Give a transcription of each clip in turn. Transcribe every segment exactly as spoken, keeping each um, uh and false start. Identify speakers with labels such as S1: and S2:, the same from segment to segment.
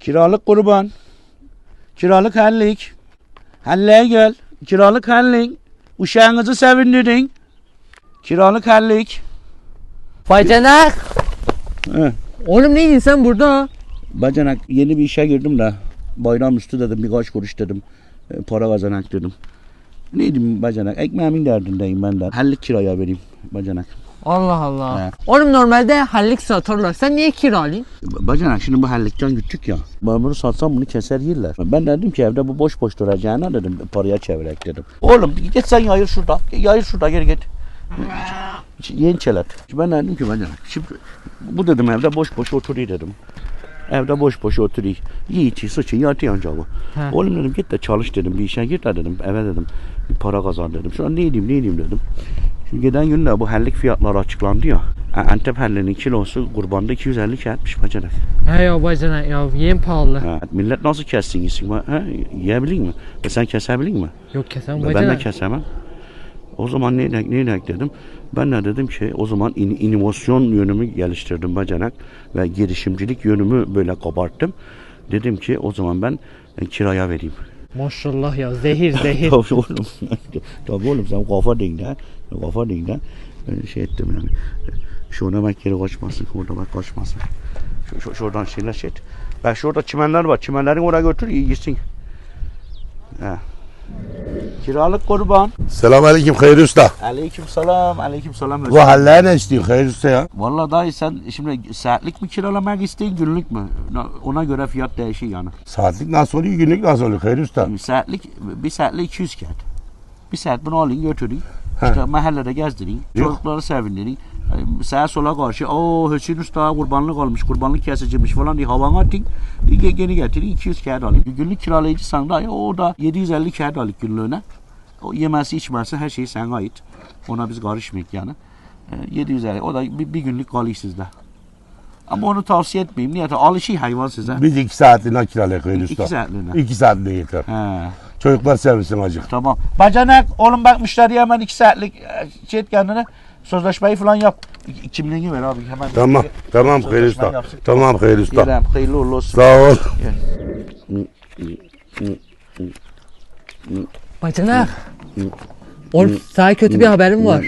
S1: Kiralık kurban. Kiralık hellik. Helliğe gel. Kiralık hellik. Uşağınızı sevindirin. Kiralık hellik.
S2: Bacanak.
S1: He.
S2: Oğlum neydin sen burada?
S1: Bacanak yeni bir işe girdim de bayram üstü dedim birkaç kuruş dedim. E, para kazanak dedim. Neydim bacanak? Ekmeğimin derdindeyim ben de. Hellik kiraya vereyim bacanak.
S2: Allah Allah.
S1: He.
S2: Oğlum normalde hallik satarlar. Sen niye kiralayın?
S1: Bacanak şimdi bu hellikten gittik ya. Ben bunu satsam bunu keser yerler. Ben dedim ki evde bu boş boş duracağına dedim paraya çevirek dedim. Oğlum git sen yayır şurada. Yayır şurada geri git. Yeni çelet. Ben dedim ki bacanak şimdi bu dedim evde boş boş oturuyor dedim. Evde boş boş oturuyor. Yiğit, sıçın, yatıyor ancak bu. Oğlum dedim git de çalış dedim. Bir işe git de dedim. Eve dedim. Bir para kazan dedim. Şu an ne edeyim ne edeyim dedim. Şimdi giden günde bu hellik fiyatları açıklandı ya. Antep helliğinin kilosu kurbanda iki yüz elli kağıtmış bacanak.
S2: He ya bacanak ya yem pahalı.
S1: Ha, millet nasıl kessin gitsin? Ha, yiyebilir mi? E sen kesebilir mi?
S2: Yok kesen
S1: Ben
S2: bacanak.
S1: de kesemem. O zaman ne ne ne dedim? Ben de dedim ki o zaman in, inovasyon yönümü geliştirdim bacanak ve girişimcilik yönümü böyle kabarttım. Dedim ki o zaman ben e, kiraya vereyim.
S2: Maşallah ya zehir zehir.
S1: Tabii oğlum. Tabii oğlum sen kafa değil de. Kafa değil de. Ben şey ettim yani. Şurada bak geri kaçmasın. Orada bak kaçmasın. Şu, şu, şuradan şeyler şey et. Bak şurada çimenler var. Çimenlerin oraya götür gitsin. He. Kiralık kurban.
S3: Selamünaleyküm Hayri Usta.
S1: Aleyküm selam. Aleyküm selam.
S3: Bu hallere ne istiyorsun Hayri Usta ya?
S1: Vallahi dayı sen şimdi saatlik mi kiralamak isteyin günlük mü? Ona göre fiyat değişir yani.
S3: Saatlik nasıl oluyor, günlük nasıl oluyor Hayri Usta?
S1: Şimdi saatlik bir saatlik iki yüz kağıt. Bir saat bunu alın götürün. İşte mahallede gezdirin. Çocukları sevindirin. Sağa sola karşı o Hüseyin Usta kurbanlık almış, kurbanlık kesiciymiş falan diye havana atın. Geri getirin iki yüz kağıt alın. Günlük kiralayıcı sen da o da yedi yüz elli kağıt alın günlüğüne. O yemesi içmesi her şey sana ait. Ona biz karışmayık yani. yedi yüz elli o da bir, bir günlük kalıyor sizde. Ama onu tavsiye etmeyeyim. Niye? Alışıyor hayvan size.
S3: Biz iki saatliğine kiralayık Hayri Usta.
S1: İki saatliğine.
S3: İki saatliğine yeter.
S1: He.
S3: Çocuklar sevinsin acık.
S1: Tamam. Bacanak oğlum bak müşteriye hemen iki saatlik şey et kendine. Sözleşmeyi falan yap. Kimliğini ver abi hemen.
S3: Tamam, tamam Hayri Usta.
S1: Yapsın.
S3: Tamam Hayri Usta.
S1: Yerem, hayırlı uğurlu olsun.
S3: Sağ ol.
S2: Bacanak. Oğlum sana kötü bir haberim var.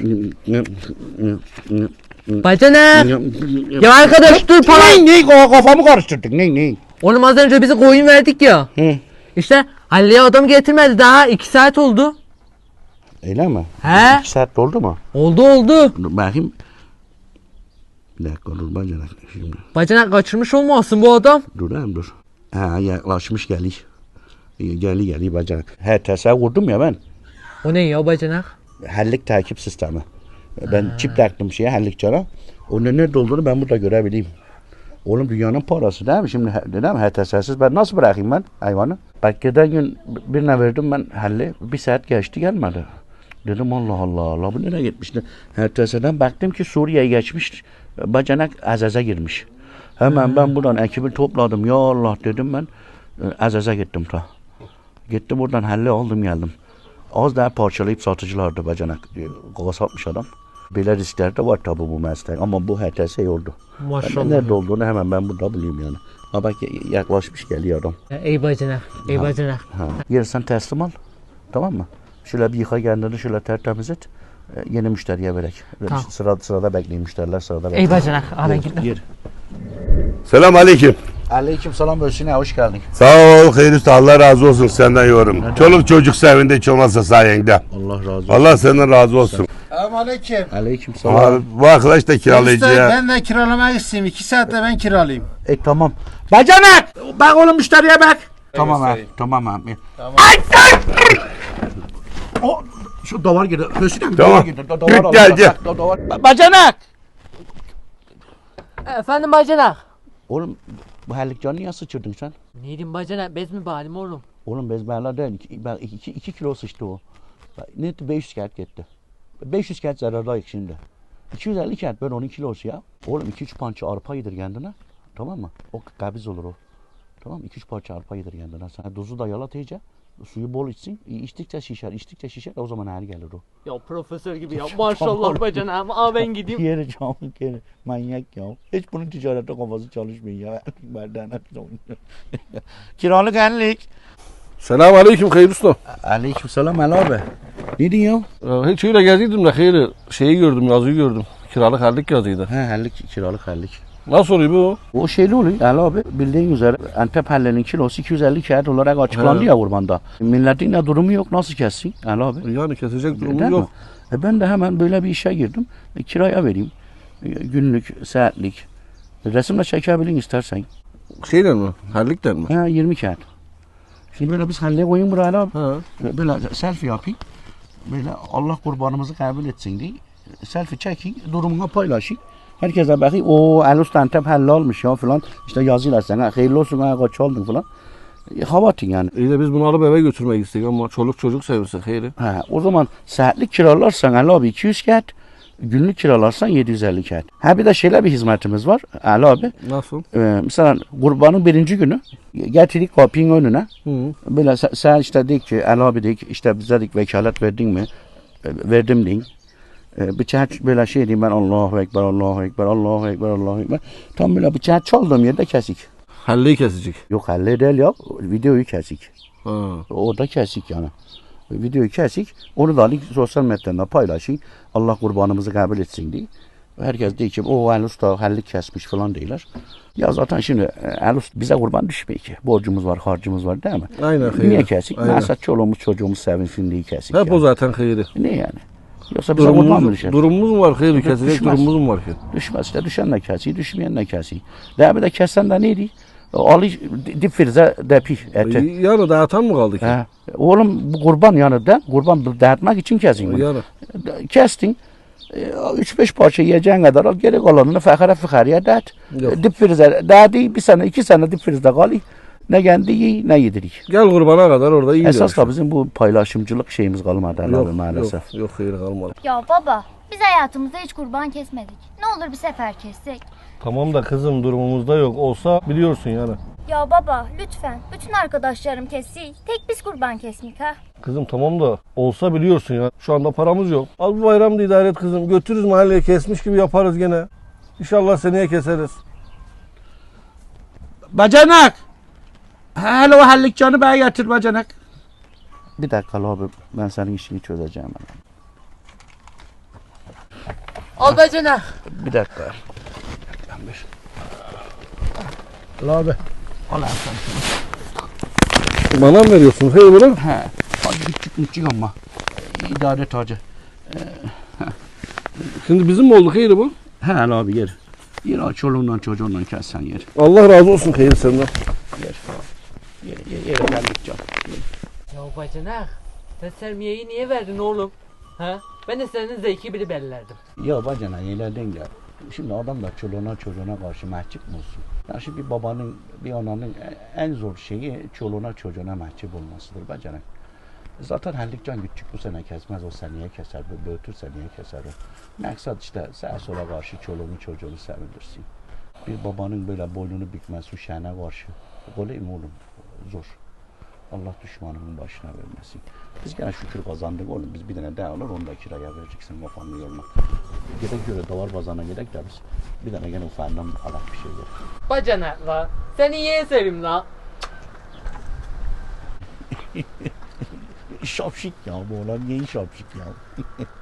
S2: Bacanak. Ya arkadaş dur para.
S1: Ne ne kafamı karıştırdık ne ne.
S2: Oğlum az önce bize koyun verdik ya.
S1: Hı.
S2: İşte Halliye adam getirmedi daha iki saat oldu.
S1: Öyle mi?
S2: He?
S1: İki saat doldu mu?
S2: Oldu oldu.
S1: Dur bakayım. Bir dakika dur bacanak şimdi.
S2: Bacanak kaçırmış olmasın bu adam.
S1: Dur hem dur. Ha yaklaşmış geliyor. Geli geli bacanak. He tasavvur vurdum ya ben.
S2: O ne ya bacanak?
S1: Hellik takip sistemi. Ben ha. Çip taktım şeye hellik cana. Onun nerede olduğunu ben burada görebileyim. Oğlum dünyanın parası değil mi? Şimdi değil mi? H T S'siz ben nasıl bırakayım ben hayvanı? Bak geçen gün birine verdim ben helli. Bir saat geçti gelmedi. Dedim Allah Allah Allah bu nereye gitmişti? H T S'den baktım ki Suriye'ye geçmiş. Bacanak Azaz'a girmiş. Hemen hmm. ben buradan ekibi topladım. Ya Allah dedim ben. Azaz'a gittim ta. Gittim buradan helli aldım geldim. Az daha parçalayıp satıcılardı bacanak. Kasapmış adam. Böyle riskler de var tabi bu meslek ama bu H T S oldu.
S2: Maşallah.
S1: Nerede olduğunu hemen ben burada bulayım yani. Ha bak yaklaşmış geliyor adam.
S2: Ey bacanak, ey ha. bacanak.
S1: Ha. Yersen teslim al. Tamam mı? Şöyle bir yıka kendini şöyle tertemiz et. Yeni müşteriye verek. Tamam. Sırada, sırada bekleyin müşteriler sırada bekleyin.
S2: Ey bacanak, ara gitme.
S3: Selamünaleyküm.
S1: Aleyküm selam Özsün'e hoş geldin.
S3: Sağ ol Hayri Usta. Allah razı olsun senden yorum. Neden? Çoluk çocuk sevindi hiç olmazsa sayende.
S1: Allah razı olsun.
S3: Allah senden razı olsun.
S4: Selamünaleyküm.
S1: Aleyküm selam.
S3: Bu arkadaş da kiralayıcı ya.
S4: Ben de kiralamak istiyorum. İki saatte ben kiralayayım.
S1: E tamam. Bacanak! Bak oğlum müşteriye bak. Tamam abi. Tamam abi. Tamam. Ay, ay! O şu davar girdi. Özsün'e
S3: tamam.
S1: Davar girdi. Davar
S3: gel gel.
S1: Bacanak!
S2: Efendim bacanak.
S1: Oğlum bu herlikcanı niye sıçırdın sen?
S2: Neydim bacanak? Bez mi bağlayayım oğlum?
S1: Oğlum bezberler değil. iki, iki, iki kilo sıçtı o. Ne etti? beş yüz kağıt gitti. beş yüz kağıt zarardayız şimdi. iki yüz elli kağıt böyle on kilosu ya. Oğlum iki üç parça arpa yedir kendine. Tamam mı? O kabiz olur o. Tamam mı? iki üç parça arpa yedir kendine. Sen dozu da yalat iyice. Suyu bol içsin. İçtikçe şişer, içtikçe şişer. O zaman her gelir o.
S2: Ya profesör gibi ya. Maşallah bacanağım. Aa ben gideyim.
S1: Yeri camı kere. Manyak ya. Hiç bunun ticarette kafası çalışmıyor ya. Benden Kiralık ellik.
S5: Selam aleyküm Hayır Usta.
S1: Aleyküm selam Ali abi. Ne diyorsun?
S5: Ee, hiç öyle gezdiydim de Hayır şeyi gördüm, yazıyı gördüm. Kiralık hallik yazıydı.
S1: He hellik, kiralık hellik.
S5: Nasıl oluyor bu?
S1: O şeyli oluyor Ali abi. Bildiğin üzere Antep hellenin kilosu iki yüz elli kağıt olarak açıklandı
S5: He.
S1: ya kurbanda. Milletin de durumu yok. Nasıl kessin Ali abi?
S5: Yani kesecek durumu
S1: Değil mi?
S5: yok.
S1: E ben de hemen böyle bir işe girdim. E, kiraya vereyim. E, günlük, saatlik. E, resimle çekebilin istersen.
S5: Şeyden mi? Hallikten mi?
S1: Ha yirmi kağıt. Şimdi böyle biz halleye koyun buraya abi.
S5: Ha.
S1: E, Böyle selfie yapayım. Böyle Allah kurbanımızı kabul etsin diye. E, Selfie çekin, durumuna paylaşın. Herkese bakayım. O El Usta Antep halle olmuş ya falan. İşte yazıyorlar sana. Hayırlı olsun ha kaç oldun falan. E, hava atın yani.
S5: İyi de biz bunu alıp eve götürmek istedik ama çoluk çocuk sevinsin Hayır.
S1: Ha, o zaman saatlik kiralarsan Ali abi iki yüz kağıt. Günlük kiralarsan yedi yüz elli kağıt. Ha bir de şöyle bir hizmetimiz var Ali abi.
S5: Nasıl?
S1: Ee, mesela kurbanın birinci günü getirdik kapının önüne.
S5: Hı.
S1: Böyle sen, sen işte dik ki Ali abi dik işte bize dik vekalet verdin mi? E, verdim deyin. E, bıçağı böyle şey diyeyim ben Allahu Ekber, Allahu Ekber, Allahu Ekber, Allahu Ekber. Tam böyle bıçağı çaldığım yerde kesik.
S5: Halleyi kesecek.
S1: Yok halle değil ya videoyu kesik.
S5: Ha.
S1: Orada kesik yani. Videoyu kesik. Onu da alıp sosyal medyadan paylaşın. Allah kurbanımızı kabul etsin diye. Herkes diyor ki o El Usta hallik kesmiş falan diyorlar. Ya zaten şimdi El Usta bize kurban düşmüyor ki. Borcumuz var, harcımız var değil mi?
S5: Aynen Hayır.
S1: Niye kesik?
S5: Aynen.
S1: Mesela çoluğumuz çocuğumuz sevinsin diye kesik.
S5: Hep
S1: yani.
S5: o zaten Hayır.
S1: Ne yani? Yoksa bize kurban mı
S5: Durumumuz,
S1: düşer?
S5: durumumuz mu var Hayır? Kesecek
S1: Düşmez.
S5: durumumuz mu var ki?
S1: Düşmez işte. Düşen de kesiyor, düşmeyen de kesiyor. Daha bir de kessen de neydi? Ali dip frize depi eti.
S5: Yani dağıtan mı kaldı ki?
S1: He. Oğlum bu kurban yani de kurban dağıtmak için kesin bunu.
S5: Yani.
S1: Kestin. Üç beş parça yiyeceğin kadar al. Geri kalanını fakire fıkarıya dağıt.
S5: Yok.
S1: Dip frize dağıdı. Bir sene iki sene dip frizde kalıyor. Ne kendi yiyin ne yedirik.
S5: Gel kurbana kadar orada iyi
S1: Esas da bizim bu paylaşımcılık şeyimiz kalmadı
S5: yok,
S1: abi maalesef.
S5: Yok, yok Hayır kalmadı.
S6: Ya baba, biz hayatımızda hiç kurban kesmedik. Ne olur bir sefer kessek.
S5: Tamam da kızım durumumuzda yok. Olsa biliyorsun yani.
S6: Ya baba, lütfen. Bütün arkadaşlarım kessiyor. Tek biz kurban kesmeyik ha.
S5: Kızım tamam da olsa biliyorsun ya. Şu anda paramız yok. Al bu bayramda idare et kızım. Götürürüz mahalleye kesmiş gibi yaparız gene. İnşallah seneye keseriz.
S1: Bacanak! Hele o hallikcanı bana getir bacanak. Bir dakika abi ben senin işini çözeceğim.
S2: Al bacanak.
S1: Bir dakika. Ali abi. Al abi sen.
S5: Bana mı veriyorsun? Hey bunu.
S1: He. Hadi küçük küçük ama. İdare et hacı.
S5: Şimdi bizim mi oldu Hayır bu?
S1: He Ali abi yer. Yer aç çoluğundan çocuğundan kessen yer.
S5: Allah razı olsun Hayır senden.
S1: Yer. Yer, yer, yer geldikçe.
S2: Ya bacanak. Sen sermiyeyi niye verdin oğlum? Ha? Ben de senin zevki biri bellerdim.
S1: Ya bacanak ileriden gel. Şimdi adam da çoluğuna çocuğuna karşı mahcup mu olsun? Ya şimdi bir babanın, bir ananın en zor şeyi çoluğuna çocuğuna mahcup olmasıdır bacanak. Zaten Hallikcan küçük bu sene kesmez, o seneye keser, böğütür seneye keser o. Maksat işte sağa sola karşı çoluğunu çocuğunu sevindirsin. Bir babanın böyle boynunu bükmesi, şene karşı. Kolay mı oğlum? Zor. Allah düşmanının başına vermesin. Biz gene şükür kazandık oğlum. Biz bir tane daha alır, onu da kiraya vereceksin kafanın yoluna. Gerek göre davar bazana gerek de biz. Bir tane gene ufağından alak bir şey gerek.
S2: Bacanak la. Seni yeğe sevim la.
S1: Şapşik ya bu olan yeni şapşik ya.